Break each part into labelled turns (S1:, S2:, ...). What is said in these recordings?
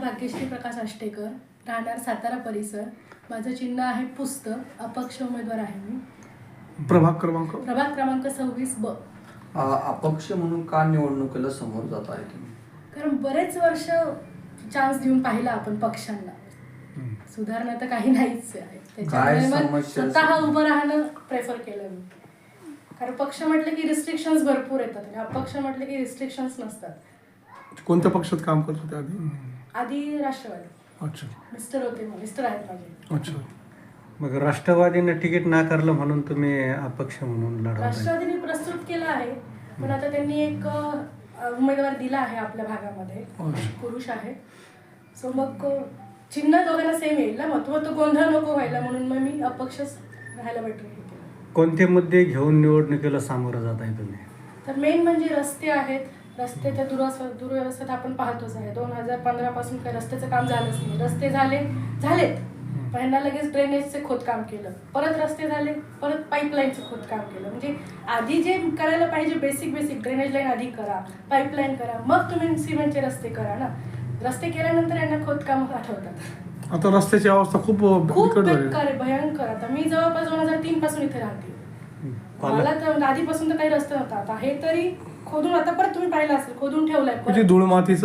S1: भाग्यश्री प्रकाश आष्टेकर, राहणार सातारा परिसर. माझं चिन्ह आहे पुस्तक. अपक्ष उमेदवार आहे मी.
S2: प्रभाग
S1: क्रमांक 26 ब.
S3: अपक्ष म्हणून का निवडणुकीला समोर जात आहे तुम्ही?
S1: कारण बरेच वर्ष चान्स देऊन पाहिला आपण पक्षांना, सुधारणा तर काही नाहीच आहे. त्याच्यामुळे मग स्वतः उभं राहणं प्रेफर केलं मी. कारण पक्ष म्हटलं की रिस्ट्रिक्शन्स भरपूर येतात आणि अपक्ष म्हटलं की रिस्ट्रिक्शन्स नसतात.
S2: कोणत्या पक्षात काम करत होते
S1: आधी राष्ट्रवादी.
S2: अच्छा.
S1: मिस्टर आहेत माझे.
S2: अच्छा.
S4: मग राष्ट्रवादीने तिकीट नाकारलं म्हणून तुम्ही अपक्ष म्हणून लढवत?
S1: राष्ट्रवादीने प्रस्तुत केलं आहे, पण आता त्यांनी एक उमेदवार दिला आहे आपल्या भागामध्ये, पुरुष आहे. सो मग चिन्ह दोघांना सेम येईल ना, मग तो गोंधळ नको व्हायला म्हणून मग मी अपक्षच राहायला भेटू.
S4: कोणते मुद्दे घेऊन निवडणुकीला सामोरं जात आहे तुम्ही? तर
S1: मेन म्हणजे रस्ते आहेत. रस्त्याच्या दुर्व्यवस्थेत आपण पाहतोच आहे. 2015 पासून काही रस्त्याचं काम झालंच नाही. रस्ते झालेत पण यांना लगेच ड्रेनेजचे खोदकाम केलं, परत रस्ते झाले, परत पाईपलाईनचं खोदकाम केलं. म्हणजे आधी जे करायला पाहिजे बेसिक ड्रेनेज लाईन आधी करा, पाईपलाईन करा, मग तुम्ही सिमेंटचे रस्ते करा ना. रस्ते केल्यानंतर यांना खोदकाम आठवतात.
S2: आता रस्त्याची अवस्था खूप
S1: बेकार आहे, भयंकर. आता मी जवळपास 2003 पासून इथे राहते. मला तर आधीपासून तर काही रस्ता नव्हता. आता हे तरी खोदून, आता परत तुम्ही पाहिलं असेल, खोदून ठेवलंय.
S2: धूळ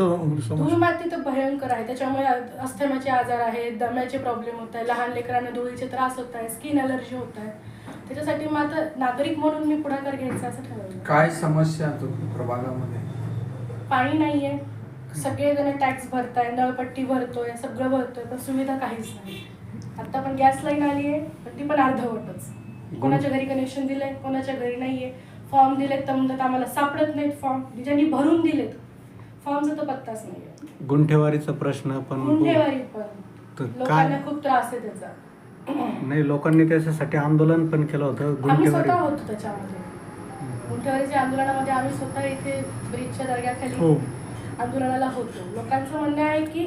S1: माती तर भयंकर आहे. त्याच्यामुळे अस्थमाचे आजार आहेत, दम्याचे प्रॉब्लेम होत आहे, लहान लेकरांना धुळीचे त्रास होत आहे, स्किन अलर्जी होत आहे. त्याच्यासाठी मग आता नागरिक म्हणून मी पुढाकार घ्यायचा असं ठरवलं.
S3: काय समस्या प्रभागामध्ये?
S1: पाणी नाहीये, सगळेजण टॅक्स भरताय, नळपट्टी भरतोय, सगळं भरतोय, पण सुविधा काहीच नाही. आता पण गॅस लाईन आली आहे, पण ती पण अर्धवटच. कोणाच्या घरी कनेक्शन दिलंय, कोणाच्या घरी नाहीये. फॉर्म दिलेत तर म्हणतात आम्हाला सापडत नाहीत फॉर्म. ज्यांनी भरून दिलेत फॉर्मचा तर पत्ताच नाही.
S4: गुंठेवारीचा प्रश्न पण
S1: लोकांना खूप त्रास आहे त्याचा.
S4: नाही, लोकांनी त्याच्यासाठी आंदोलन पण केलं होतं.
S1: आम्ही स्वतः होतो त्याच्यामध्ये. गुंठेवारीच्या आंदोलनामध्ये आम्ही स्वतः इथे ब्रिजच्या दर्ग्याखाली आंदोलनाला होतो. लोकांचं म्हणणं आहे की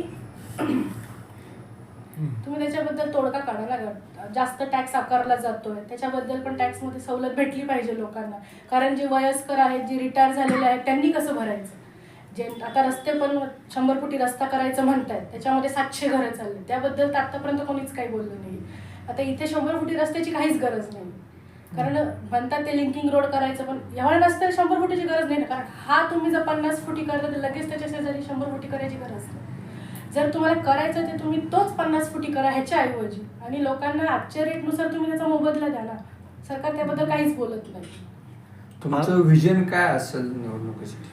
S1: तुम्ही त्याच्याबद्दल तोडगा काढा ना. जास्त टॅक्स आकारला जातोय, त्याच्याबद्दल पण टॅक्समध्ये सवलत भेटली पाहिजे लोकांना. कारण जे वयस्कर आहेत, जे रिटायर झालेले आहेत, त्यांनी कसं भरायचं? जे आता रस्ते पण 100 फुटी रस्ता करायचं म्हणतायत, त्याच्यामध्ये 700 घरं चालले, त्याबद्दल तर आतापर्यंत कोणीच काही बोललं नाही. आता इथे 100 फुटी रस्त्याची काहीच गरज नाही. कारण म्हणतात ते लिंकिंग रोड करायचं, पण एवढ्या रस्त्याला 100 फुटीची गरज नाही ना. कारण हा तुम्ही जर 50 फुटी करता तर लगेच त्याच्या शेजारी 100 फुटी करायची गरज नाही. जर तुम्हाला करायचं ते तुम्ही तोच 50 फुटी करा ह्याच्या ऐवजी, आणि लोकांना आजच्या रेटनुसार तुम्ही त्याचा मोबदला द्या ना. सरकार त्याबद्दल काहीच बोलत नाही.
S3: तुमचं विजन काय असेल निवडणुकीसाठी?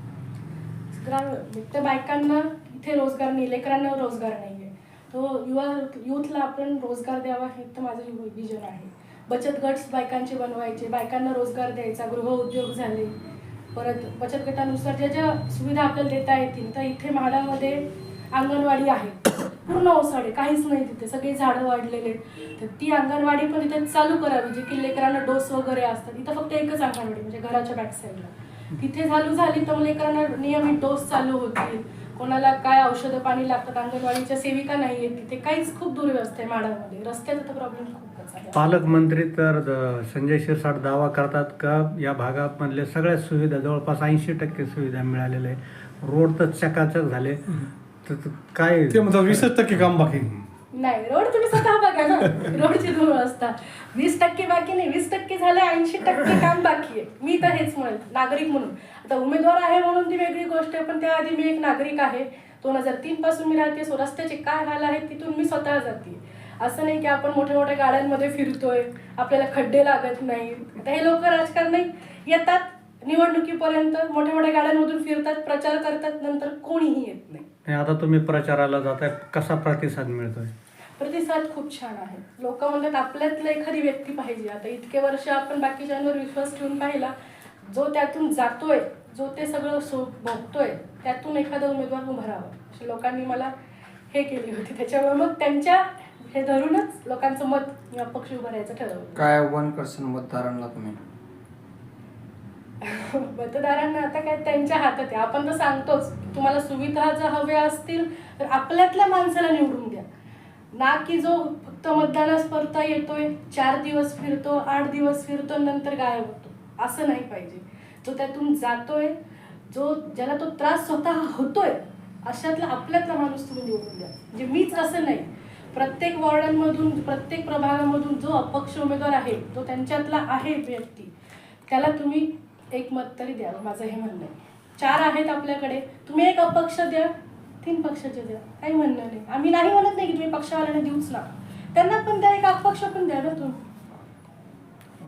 S1: त्या बायकांना इथे रोजगार नाही, लेकरांना रोजगार नाहीये, तो युथला आपण रोजगार द्यावा, हे तर माझं विजन आहे. बचत गट बायकांचे बनवायचे, बायकांना रोजगार द्यायचा, गृहउद्योग झाले, परत बचत गटानुसार ज्या ज्या सुविधा आपल्याला देता येतील. तर इथे म्हाडामध्ये अंगणवाडी आहे, पूर्ण ओसाडे, काहीच नाही तिथे, सगळे झाडं वाढलेले. तर ती अंगणवाडी पण तिथे चालू करावी, जे की लेकरांना डोस वगैरे असतात. इथं फक्त एकच अंगणवाडी म्हणजे घराच्या बॅक साईडला. तिथे झाली तर लेकरांना नियमित डोस चालू होतील. कोणाला काय औषधं पाणी लागतात, अंगणवाडीच्या सेविका नाही आहेत तिथे, काहीच खूप दुर्व्यवस्था आहे माडामध्ये. रस्त्याचा तर प्रॉब्लेम खूपच आहे.
S4: पालकमंत्री तर संजय शिरसाट दावा करतात का या भागामधल्या सगळ्या सुविधा, जवळपास 80% सुविधा मिळालेल्या आहे. रोड तर चकाचक झाले. काय
S2: ते म्हणतात 20% काम बाकी
S1: नाही. रोड तुम्ही स्वतः बघा ना, रोडची दुर्व्यवस्था 20% बाकी नाही, 20% झाले, 80% काम बाकी आहे. मी तर हेच म्हणेल नागरिक म्हणून. आता उमेदवार आहे म्हणून ती वेगळी गोष्ट आहे, पण त्याआधी मी एक नागरिक आहे. 2003 पासून मी राहते. सो रस्त्याचे काय हाल आहेत तिथून मी स्वतः जाते. असं नाही की आपण मोठ्या मोठ्या गाड्यांमध्ये फिरतोय, आपल्याला खड्डे लागत नाही. आता हे लोक राजकारणी येतात, निवडणुकीपर्यंत मोठ्या मोठ्या गाड्यांमधून फिरतात, प्रचार करतात, नंतर कोणीही येत नाही.
S4: आता तुम्ही प्रचाराला जाताय, कसा प्रतिसाद मिळतोय?
S1: प्रतिसाद खूप छान आहे. लोक म्हणतात आपल्यातलं एखादी व्यक्ती पाहिजे. आता इतके वर्ष आपण बाकीच्यांवर विश्वास ठेवून पाहिला, जो त्यातून जातोय, जो ते सगळं भोगतोय, त्यातून एखादा उमेदवार उभा राहावा अशी लोकांनी मला हे केली होती. त्याच्यामुळे मग त्यांच्या हे धरूनच लोकांचं मत अपक्ष उभं राहायचं ठरवलं.
S3: काय आव्हान करशील मतदारांना तुम्ही?
S1: मतदारांना आता काय त्यांच्या हातात आहे. आपण तर सांगतोच, तुम्हाला सुविधा जर हव्या असतील तर आपल्यातल्या माणसाला निवडून द्या ना, की जो फक्त मतदानास परता येतोय, 4 दिवस फिरतो, 8 दिवस फिरतो, नंतर गायब होतो. असं नाही पाहिजे. जो त्यातून जातोय, ज्याला तो त्रास स्वतः होतोय, अशातला आपल्यातला माणूस तुम्ही निवडून द्या. म्हणजे मीच असं नाही, प्रत्येक वॉर्डांमधून प्रत्येक प्रभागामधून जो अपक्ष उमेदवार आहे तो त्यांच्यातला आहे व्यक्ती, त्याला तुम्ही एक मत तरी द्यावं, माझं हे म्हणणं आहे. 4 आहेत आपल्याकडे, तुम्ही एक अपक्ष द्या, 3 पक्षाचे द्या, काही म्हणणं नाही. आम्ही नाही म्हणत नाही की तुम्ही पक्षवाल्यांना देऊच ना, त्यांना पण द्या, एक अपक्ष पण द्या ना तुम्ही.